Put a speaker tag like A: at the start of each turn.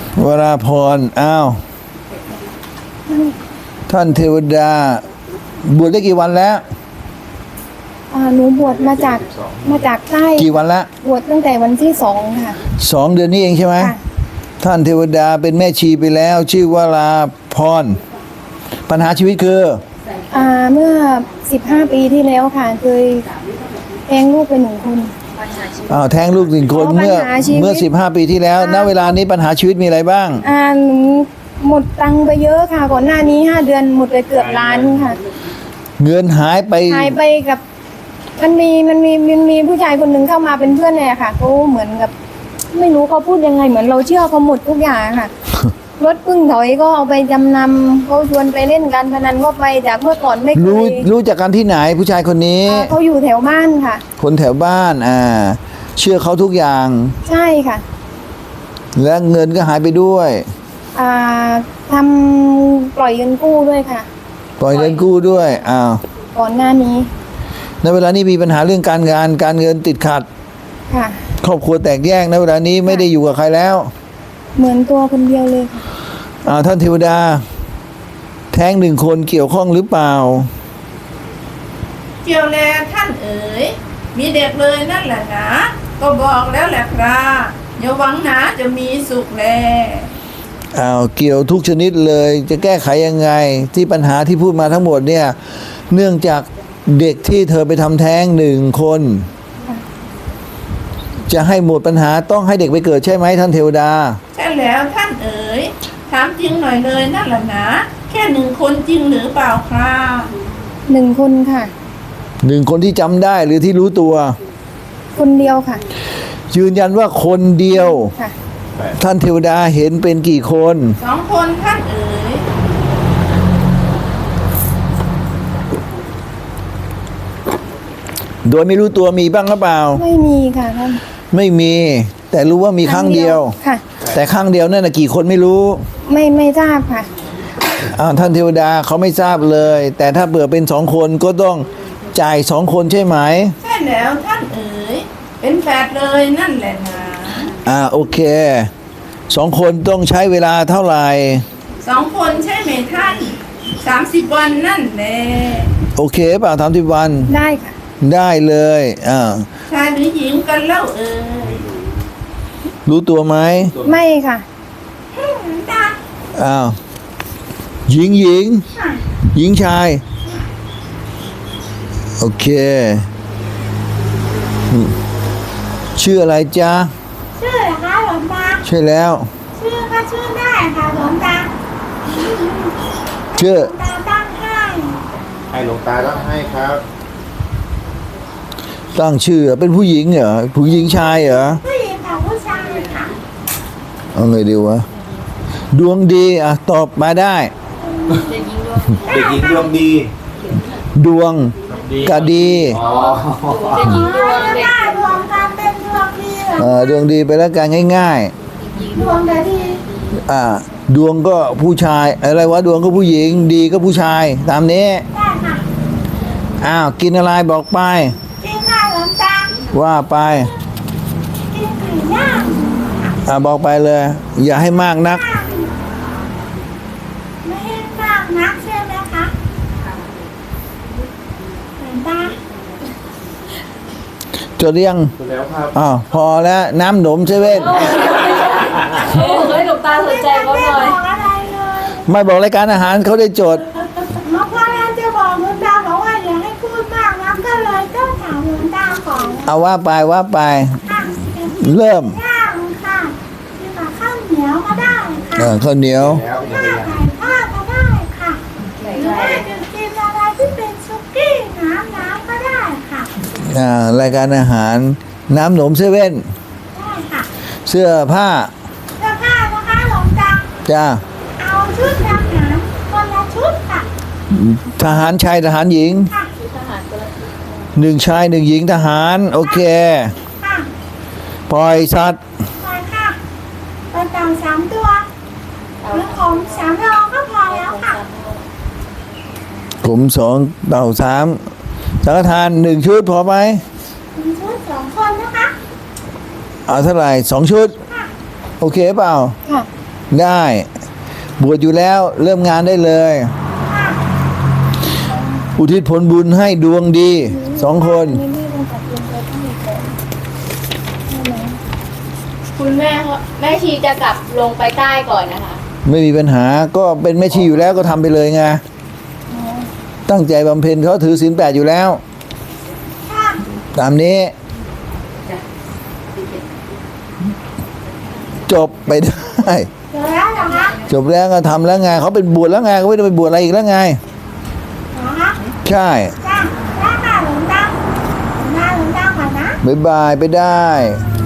A: วราพรอ้าวท่านเทวดาบวชได้กี่วันแล้ว
B: หนูบวชมาจากใต้
A: กี่วันละ
B: บวชตั้งแต่วันที่2ค่ะ
A: 2 เดือนนี้เองใช่ไหมท่านเทวดาเป็นแม่ชีไปแล้วชื่อวราพรปัญหาชีวิตคือ
B: เมื่อ15 ปีที่แล้วค่ะเคยแท้งลูกไป1 คน
A: แท้งลูก1 คนเมื่อ15 ปีที่แล้วณเวลานี้ปัญหาชีวิตมีอะไรบ้าง
B: หนูหมดตังค์ไปเยอะค่ะก่อนหน้านี้5 เดือนหมดไปเกือบล้านค่ะ
A: เงินหายไป
B: กับมันมีผู้ชายคนหนึ่งเข้ามาเป็นเพื่อนเลยค่ะเขาเหมือนกับไม่รู้เขาพูดยังไงเหมือนเราเชื่อเขาหมดทุกอย่างค่ะ รถพึ่งถอยก็เอาไปจำนำเขาชวนไปเล่นการพนันก็ไปจากเมื่อก่อนไม่เคย
A: รู้จากกันที่ไหนผู้ชายคนนี้
B: เขาอยู่แถวบ้านค่ะ
A: คนแถวบ้านเชื่อเขาทุกอย่าง
B: ใช่ค่ะ
A: และเงินก็หายไปด้วย
B: ทำปล่อยเงินกู้ด้วยค่ะ
A: ปล่อยเงินกู้ด้วย
B: ก่อนหน้านี้
A: ในเวลานี้มีปัญหาเรื่องการงานการเงินติดขัด
B: ค่ะ
A: ครอบครัวแตกแยกในเวลานี้ไม่ได้อยู่กับใครแล้ว
B: เหมือนตัวคนเดียวเลย
A: ค่ะท่านเทวดาแท้ง1 คนเกี่ยวข้องหรือเปล่า
C: เกี่ยวแลท่านเอ๋ยมีเด็กเลยนั่นแหละนะก็บอกแล้วแหละครับอย่าหวังนะจะมีสุขแล
A: เกี่ยวทุกชนิดเลยจะแก้ไขยังไงที่ปัญหาที่พูดมาทั้งหมดเนี่ยเนื่องจากเด็กที่เธอไปทำแท้ง1 คนจะให้หมดปัญหาต้องให้เด็กไปเกิดใช่ไหมท่านเทวดา
C: ใช่แล้วท่านเอ๋ยถามจริงหน่อยเลยนั่นแหละนะแค่1 คนจริงหรือเปล่าครับ
B: 1 คนค่ะ
A: 1 คนที่จำได้หรือที่รู้ตัว
B: คนเดียวค่ะ
A: ยืนยันว่าคนเดียว
B: ค่ะ
A: ท่านเทวดาเห็นเป็นกี่คน
C: 2 คนท่านเอ๋ย
A: โดยไม่รู้ตัวมีบ้างหรือเปล่า
B: ไม่มีค่ะท่าน
A: ไม่มีแต่รู้ว่ามีครั้งเดียว
B: ค่ะ
A: แต่ครั้งเดียวนั่นกี่คนไม่รู้
B: ไม่ทราบค่ะ
A: ท่านเทวดาเขาไม่ทราบเลยแต่ถ้าเบื่อเป็น2 คนก็ต้องจ่าย2 คนใช่ไหม
C: ใช่แล้วท่านเอ๋ยเป็นแฝดเลยนั่นแหละนะ
A: โอเค2 คนต้องใช้เวลาเท่าไหร่
C: 2 คนใช่ไหมท่าน30 วันนั่นแหละ
A: โอเคเปล่า30 วัน
B: ได้ค่ะ
A: ได้เลย
C: ชายหรือหญิงกันเล่าเอ๋ย
A: รู้ตัวไหม
B: ไม่ค่ะ
A: หญิงชายโอเคชื่ออะไรจ๊ะ
D: ชื่อเหรอคะหลวงตา
A: ใช่แล้ว
D: ชื่อก็ชื่อได้ค่ะหลวงตา
A: ชื่อ
D: ตาตั้งให้
E: หลวงตาตั้งให้ครับ
A: ตั้งชื่อเป็นผู้หญิงเหรอผู้หญิงชายเหรอ
D: ผู้หญิงกับผู้ชายค่ะ
A: เอาไงดีวะดวงดีตอบมาได้
E: เด็กหญิงดวงดี
A: ดวงกะดี
D: เด็กหญิงดวงได้ดวงการเป็นดวงดี
A: ดวงดีไปแล้วกันง่าย
D: ๆดวงกะดี
A: ดวงก็ผู้ชายอะไรวะดวงก็ผู้หญิงดีก็ผู้ชายตามนี้
D: ได้ค่ะ
A: กินอะไรบอกไป
D: กินข้าวหลวงตา
A: ว่าไป
D: กินไก่ย่าง
A: บอกไปเลยอย่าให้มากนัก
D: ไม่ให้มากนักใช่ไหมคะหลวงตา
A: จะเรียง
E: แล้วครับ
A: พอแล้วน้ำหนมเซเว่น
B: หลวงตาสนใจเขาหน่อย
A: ไม่บอกรายการอาหารเขาได้โจทย์
D: เมื่อวานจะบอกหลวงตาบอกว่าอย่าให้พูดมากนะก็เลยต้องถามหลวงตาก่อน
A: ว่าไปเริ่ม
D: ย่างค่ะกินกับข้าวเหนียวก็ได้ค่ะ
A: ข้าวเหนียว
D: ไก่ทอดก็ได้ค่ะหรือว่าจะกินอะไรที่เป็นซุกี้น้ำก็ได้ค่ะ
A: รายการอาหารน้ำหนมเซเว่น
D: ได้ค่ะ
A: เสื้อผ้า
D: นะคะหลวงตา
A: จ้า
D: เอาชุดทหารคนละชุดค่ะ
A: ทหารชายทหารหญิง
D: ค่ะ
A: 1 ชาย 1 หญิงทหารโอเคปล่อยสัตว์
D: ปล่อยค่ะปล่อยเต่า3 ตัวหรือผม3 โลก็พอแล้วค่ะ
A: ผม2เต่า3สังฆทาน1 ชุดพอไหม
D: 1 ชุด2 คนนะคะ
A: เท่าไหร่2 ชุดโอเคเปล่า
B: ค่ะ
A: ได้บวชอยู่แล้วเริ่มงานได้เลย อุทิศผลบุญให้ดวงดี2 คน
B: นี่ต้องตัดลงไปต้องมีก่อนใช่ไหม
F: คุณแม่เขาแม่ชีจะกลับลงไปใต้ก่อนนะคะ
A: ไม่มีปัญหาก็เป็นแม่ชีอยู่แล้วก็ทำไปเลยไงตั้งใจบำเพ็ญเขาถือศีล 8อยู่แล้ว ตามนี้ จบไปได้
D: เดี๋ยวแล้วเหรอคะ
A: จบแล้วก็ทำแล้วไงเขาเป็นบวชแล้วไงเขาไม่ได้ไปบวชอะไรอีกแล้วไง
D: เหรอคะ
A: ใช่
D: จ้าหน้าหลวงตาหน้าหลวงตาก่อนนะ
A: บ๊ายบายไปได้
D: ค